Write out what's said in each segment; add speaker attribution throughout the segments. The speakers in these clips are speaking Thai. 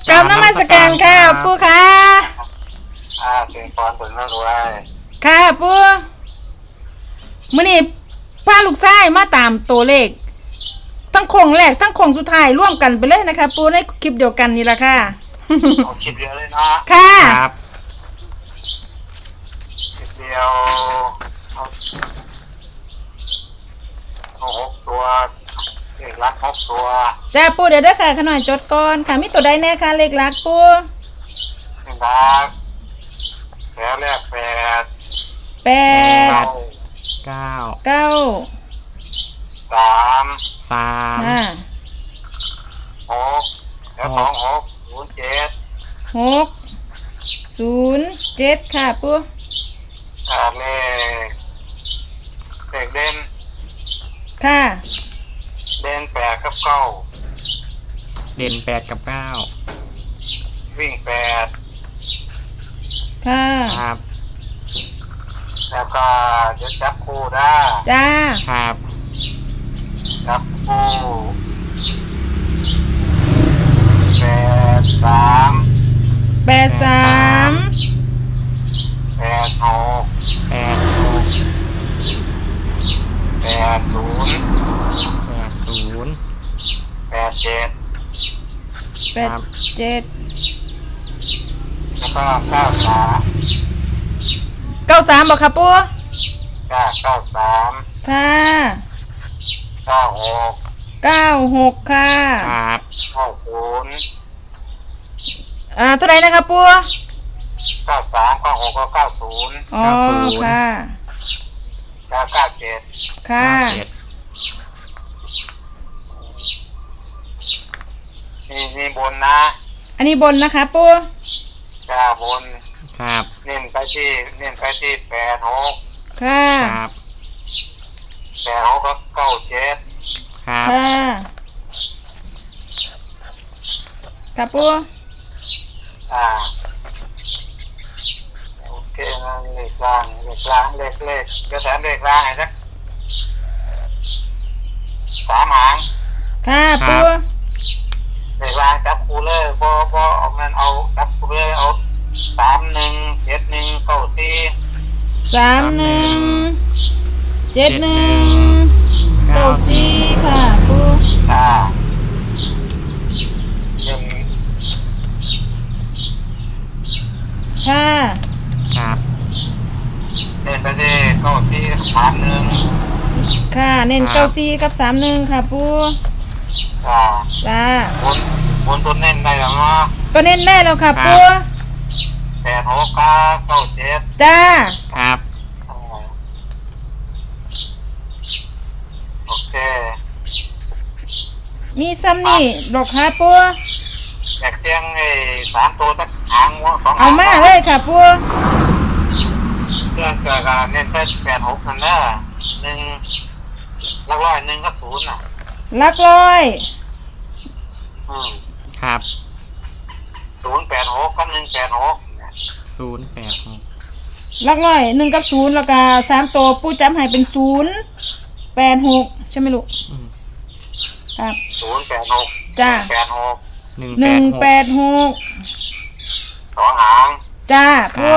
Speaker 1: กราบนมัสการค่ะปู่ค่ะ
Speaker 2: เสียงพรผลไม่รวย
Speaker 1: ค่ะปู่มื้อนี้พาลูกชายมาตามตัวเลขทั้งโค้งแรกทั้งโค้งสุดท้ายร่วมกันไปเลยนะคะปู่ในคลิปเดียวกันนี่ล่ะค่ะ
Speaker 2: เอาคลิปเดียวเลยเนาะ
Speaker 1: ค่ะ
Speaker 2: ครับคลิปเดียวเอา6 ตัวเลขลัก6 ตัว
Speaker 1: จ้าปู่เดี๋ยวเด้อค่ะขน่อยจดก่อนค่ะมีตัวใดแน่ค่ะเลขหลักปู่
Speaker 2: ลักแถวแรก8
Speaker 1: 8
Speaker 3: 9
Speaker 2: 3
Speaker 1: ค่ะ
Speaker 2: 6แถว2 6 0 7
Speaker 1: 6 0 7ค่ะปู่
Speaker 2: เลขเด่น
Speaker 1: ค่ะ
Speaker 2: เด่น8 กับ 9
Speaker 3: เด่น8 กับ 9
Speaker 2: วิ่ง8
Speaker 1: ค่ะ
Speaker 3: ครับ
Speaker 2: แล้วก็เดี๋ยวจับคู่ได้
Speaker 1: จ้า
Speaker 3: ครับ
Speaker 2: จับคู่8 3
Speaker 1: 8 3
Speaker 2: 8 6
Speaker 3: 8
Speaker 2: 8 0
Speaker 3: 0
Speaker 2: 8 7
Speaker 1: 8 7
Speaker 2: แล้วก็9 3
Speaker 1: 93บ่ค่ะปู่
Speaker 2: 9 3
Speaker 1: ค่ะ
Speaker 2: 9 6
Speaker 1: 96ค่ะ
Speaker 3: ครับ
Speaker 2: 9 0
Speaker 1: เท่าไหร่นะคะปู่
Speaker 2: 9 3 9 6 9 0
Speaker 1: อ๋อค่ะ
Speaker 2: 9 7
Speaker 1: ค่ะ
Speaker 2: นี่บนนะ
Speaker 1: อันนี้บนนะคะปู่
Speaker 2: บน
Speaker 3: ครับ
Speaker 2: เน้นไปที่8 6
Speaker 1: ค่ะ
Speaker 3: ครับ
Speaker 2: 8 6ก็9 7
Speaker 3: ครับ
Speaker 1: ค่ะค่ะปู่
Speaker 2: โอเคนะเลขล่างเลขจะแถมเลขล่างไอ้สัก3 หาง
Speaker 1: ค่ะปู่
Speaker 2: เลขล่างจับคู่เลยพอเอามันเอาจับคู่เลยเอา3 1 7 1 9 4
Speaker 1: 31 71 94ค่ะปู่ค่ะ
Speaker 3: ครับ
Speaker 2: เล่นไปที่9 4 3 1
Speaker 1: ค่ะเน้น94กับ31ค่ะปู่จ้า
Speaker 2: บนตัวเน้นได้แล้วเนาะ
Speaker 1: ตัวเน้นได้แล้วค่ะปู่
Speaker 2: 8 6 9 7
Speaker 1: จ้า
Speaker 3: ครับ
Speaker 2: โอเค
Speaker 1: มีซ้ำนี่ดอกค่ะปู่
Speaker 2: อยากเสียง3 ตัวสักหาง2
Speaker 1: เอามาเลยค่ะปู่
Speaker 2: เรื่องเกิดเน้นเป็น8 6นั่นนะ1หลักร้อย1ก็0น่ะ
Speaker 1: หลักร้อย
Speaker 3: ครับ
Speaker 2: 0 8 6กับ1 8 6
Speaker 3: 0 8 6
Speaker 1: หลักร้อย1กับ0แล้วก็3ตัวปู่จำให้เป็น0 8 6ใช่ไหมลูกครับ
Speaker 2: 0 8 6
Speaker 1: จ้า
Speaker 2: 8 6
Speaker 1: 1 8 6
Speaker 2: 2 หาง
Speaker 1: จ้าปู่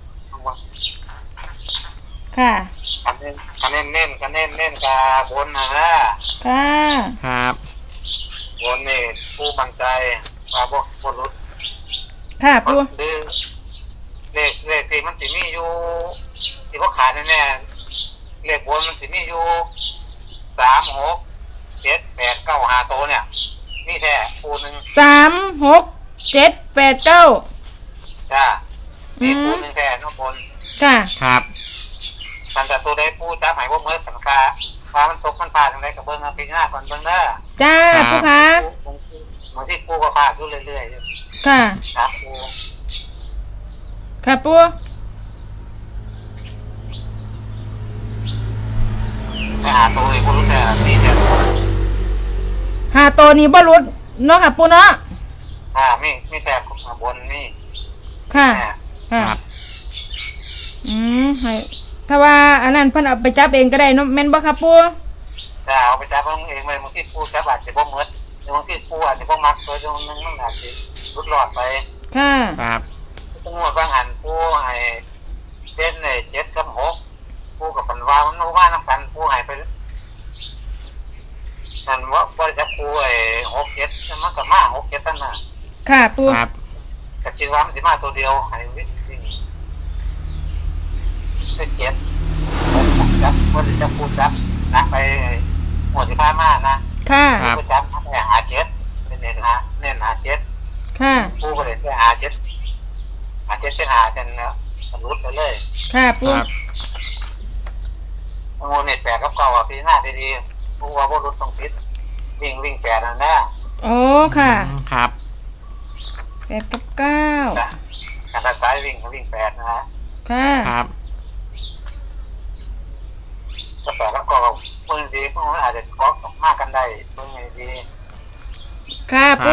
Speaker 1: ค่ะ
Speaker 2: คะแนนเน้นกับบนนะ
Speaker 1: ค่ะ
Speaker 3: ครับ
Speaker 2: บนนี่ผู้มั่นใจว่าบ่หลุด
Speaker 1: ค่ะปู่
Speaker 2: เลขที่มันสิมีอยู่ที่เขาขายแน่ๆเลขบนมันสิมีอยู่3 6 7 8 9 5ตัวเนี่ยมีแท้คู่นึง
Speaker 1: 3 6 7 8 9
Speaker 2: จ้ามีคู่นึงแท้น้องบน
Speaker 1: ค่ะ
Speaker 3: ครับ
Speaker 2: ทันแต่ตัวใดผู้จับหายว่าเมื่อสังกาว่ามันตกมันผ่านอะไรกับเบิ้งปีหน้าก่อนเบิ้งเด้อ
Speaker 1: จ้าปู่ค่ะ
Speaker 2: บางที่ผู้ก็ผ่านอยู่เรื่อย
Speaker 1: ๆค่ะ
Speaker 2: ครับผู้
Speaker 1: ค่ะปู่
Speaker 2: ไปหาตัวอีกผู้รู้แต่นี่แต่
Speaker 1: หาตัวนี้บ่รุดเนาะค่ะปู่เนาะ
Speaker 2: มีแต่บนนี่
Speaker 1: ค่ะค่ะให้ถ้าว่าอันนั้นเพิ่นเอาไปจับเองก็ได้เนาะแม่นบ่ครับปู่
Speaker 2: เอาไปจับเองเลยบางที่ผู้จับอาจจะบ่เหมือนบางที่ผู้อาจจะบ่มักตัวนึงมันอาจจะรุดหลอดไป
Speaker 1: ค่ะ
Speaker 3: ครับ
Speaker 2: งวดบางหันผู้ให้เด่นใน7 กับ 6ผู้กับปันว่ามันว่าน้ำกันผู้ให้ไปนั่นว่าบริจาคผู้6 7มันก็มา6 7ตั้งน่ะ
Speaker 1: ค่ะปู
Speaker 3: ครับ
Speaker 2: ก็คิดว่ามันสิมาตัวเดียวให้วิ่งเป็น7 6จับบริจาคผู้จับนะไปหมวดที่พามานะ
Speaker 1: ค่ะ
Speaker 3: ครับ
Speaker 2: ผู้จับให้หา7เป็นเน้นหา7
Speaker 1: ค่ะ
Speaker 2: ผู้ก็เลยหา7เป็นหาจนมันรุดไปเลย
Speaker 1: ค่ะปู
Speaker 3: ครับ
Speaker 2: งูเน็ต8 กับ 9อ่ะปีหน้าดีๆผู้ว่าบ่รุดต้องติดวิ่ง8นั่นนะ
Speaker 1: โอ้ค่ะ
Speaker 3: ครับ
Speaker 1: 8 กับ 9
Speaker 2: การสายวิ่งก็วิ่ง8นะฮะ
Speaker 1: ค่ะ
Speaker 3: ครับ
Speaker 2: ถ้า8 กับ 9เพิ่งดีเพิ่งอาจจะเกาะมากกันได้เพิ่งดี
Speaker 1: ค่ะปู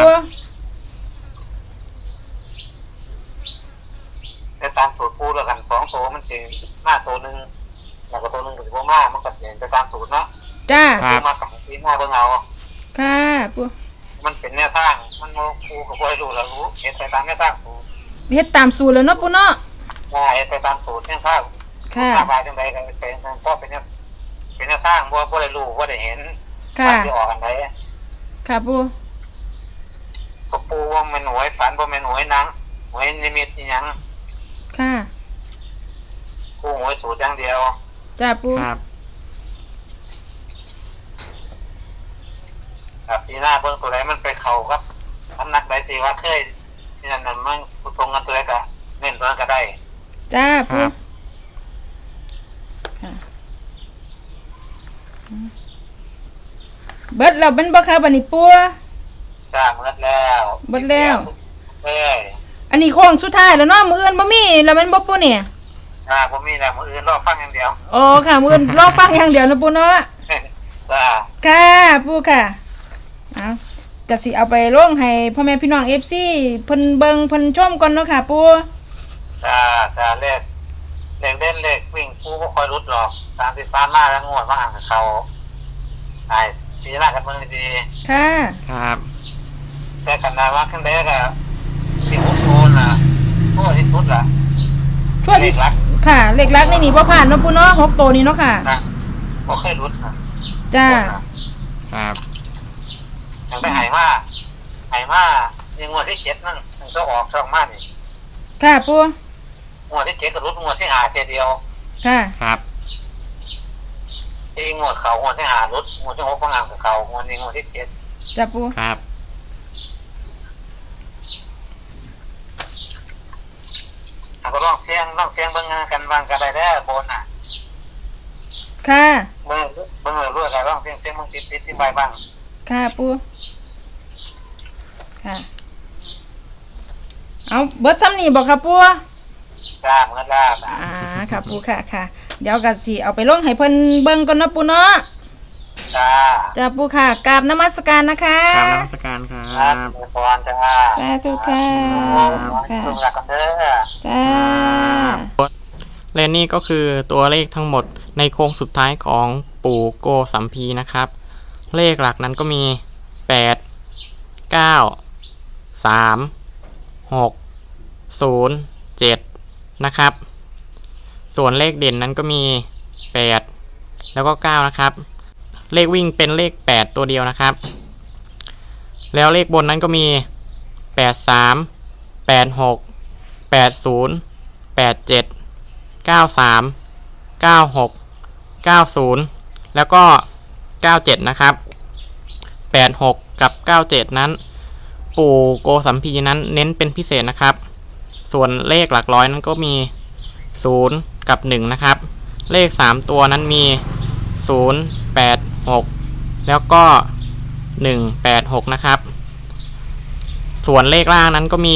Speaker 2: แต่ตามสูตรปูแล้วกัน2ตัวมันสิมาตัวนึงแล้วก็ตัวนึงก็สิบ่มามันก็เปลี่ยนไปตามสูตรเนาะ
Speaker 1: จ้า
Speaker 3: ครับ
Speaker 2: มากับปีหน้าเบิ่งเอา
Speaker 1: ค่ะปู
Speaker 2: มันเป็นแนวทางมันบ่ปูก็บ่ให้รู้แล้วรู้เฮ็ดไปตามแนวทางสูตร
Speaker 1: เฮ็ดตามสูตรแล้วเนาะปูเนาะ
Speaker 2: เฮ็ดไปตามสูตรแนวทาง
Speaker 1: ค่ะ
Speaker 2: มาบายจังไดก็เป็นก็เป็นแนวทางบ่ได้รู้บ่ได้เห็น
Speaker 1: ค่ะ
Speaker 2: ว่าสิออกอันใด
Speaker 1: ค่ะปู
Speaker 2: ก็ปูว่ามันหวยฝันบ่แม่นหวยหนังหวยนิมิตอีหยัง
Speaker 1: ค่ะ
Speaker 2: ปูหวยสูตรอย่างเดียว
Speaker 1: จ้าปู
Speaker 3: ครับ
Speaker 2: ครับปีหน้าเบิ่งตัวใดมันไปเข้ากับสำนักใดสิว่าเคยนี่นั่นมันตรงกันตัวใดก็เน้นตัวนั้นก็ได้
Speaker 1: จ้า
Speaker 3: ค
Speaker 1: ปู
Speaker 3: รับ
Speaker 1: ค่ะเบิดแล้วเป็นบ่คะบัดนี้ปู
Speaker 2: จ้าหมดแล้ว
Speaker 1: หมดแล้ว
Speaker 2: เอ้ย
Speaker 1: อันนี้โค้งสุดท้ายแล้วเนาะมื้ออื่นบ่มีแล้วแม่นบ่ปูเนี่ย
Speaker 2: บ่มีแล้วมื้ออื่นรอฟังอย่างเดียว
Speaker 1: โอ้ค่ะมื้ออื่นรอฟังอย่างเดียวนะปูเนาะ
Speaker 2: จ้า
Speaker 1: ค่ะปูค่ะเอาจะสิเอาไปลงให้พ่อแม่พี่น้อง FC เพิ่นเบิ่งเพิ่นชมก่อนเนาะค่ะปู
Speaker 2: จ้าเลขเด่นเลขวิ่งปูบ่ค่อยรุดหรอก30ปานมาแล้วงวดมาอ่านกับเขาไอ้ปีหน้ากันเบิ่งดี
Speaker 1: ค่ะ
Speaker 3: ครับ
Speaker 2: ๆแต่กันนาว่าขึ้นได้ก็สิ6โมงน่ะโอ้ที่สุดล่ะ
Speaker 1: ทั่วที่
Speaker 2: เลขหลัก
Speaker 1: ค่ะเลขลักนี่นี่บ่ผ่านเนาะปูเนาะ6ตัวนี้เนาะค่ะ
Speaker 2: นะบ่เคยรุดนะ
Speaker 1: จ้า
Speaker 3: ครับ
Speaker 2: ยังได้หายมานี่งวดที่7นั่นมันก็ออกช่องมานี่
Speaker 1: ค่ะปู
Speaker 2: งวดที่7ก็รุดงวดที่5เทียเดียว
Speaker 1: ค่ะ
Speaker 3: ครับ
Speaker 2: ที่งวดเขางวดที่5รุดงวดที่6ก็งานกับเขางวดนี้งวดที่7
Speaker 1: จ้าปู
Speaker 3: ครับ
Speaker 2: ก็ลองเสียงเบิ่งกันวางกันได้เด้อบนน่ะ
Speaker 1: ค่ะ
Speaker 2: เบิ่งเลยรู้กันลองเสียงเบิ่งติดที่ใบบ้าง
Speaker 1: ค่ะปูค่ะเอาเบิดซ้ำนี่บอกค่ะปู
Speaker 2: จ้าเหมือนแล้ว
Speaker 1: ค่ะปูค่ะค่ะเดี๋ยวก็สิเอาไปลงให้เพิ่นเบิ่งก่อนเนาะปูเนาะ
Speaker 2: จ้า
Speaker 1: จ้าปูค่ะกราบนมัสการนะคะ
Speaker 3: ครับนมัสการครั
Speaker 2: ครับ
Speaker 3: บ
Speaker 2: พรจ้า
Speaker 1: สาธุค่ะค่ะ
Speaker 2: จุ่มหลักกันเด้อ
Speaker 1: จ้า
Speaker 3: และนี่ก็คือตัวเลขทั้งหมดในโค้งสุดท้ายของปู่โกสัมพีนะครับ เลขหลักนั้นก็มี 8 9 3 6 0 7 นะครับ ส่วนเลขเด่นนั้นก็มี 8 แล้วก็ 9 นะครับ เลขวิ่งเป็นเลข 8 ตัวเดียวนะครับ แล้วเลขบนนั้นก็มี 83 86 80 87 93 96 90 แล้วก็ 97 นะครับ 86 กับ 97 นั้น ปู่โกสัมพีนั้นเน้นเป็นพิเศษนะครับ ส่วนเลขหลักร้อยนั้นก็มี 0 กับ 1 นะครับ เลข 3 ตัวนั้นมี 0 8 6 แล้วก็ 1 8 6 นะครับ ส่วนเลขล่างนั้นก็มี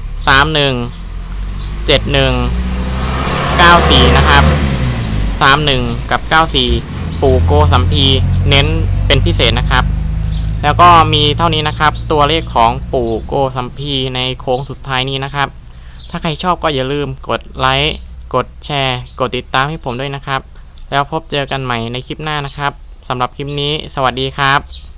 Speaker 3: 31 71 94 นะครับ 31 กับ 94 ปู่โกสัมพีเน้นเป็นพิเศษนะครับ แล้วก็มีเท่านี้นะครับตัวเลขของปู่โกสัมพีในโค้งสุดท้ายนี้นะครับ ถ้าใครชอบก็อย่าลืมกดไลค์กดแชร์กดติดตามให้ผมด้วยนะครับ แล้วพบเจอกันใหม่ในคลิปหน้านะครับสำหรับคลิปนี้สวัสดีครับ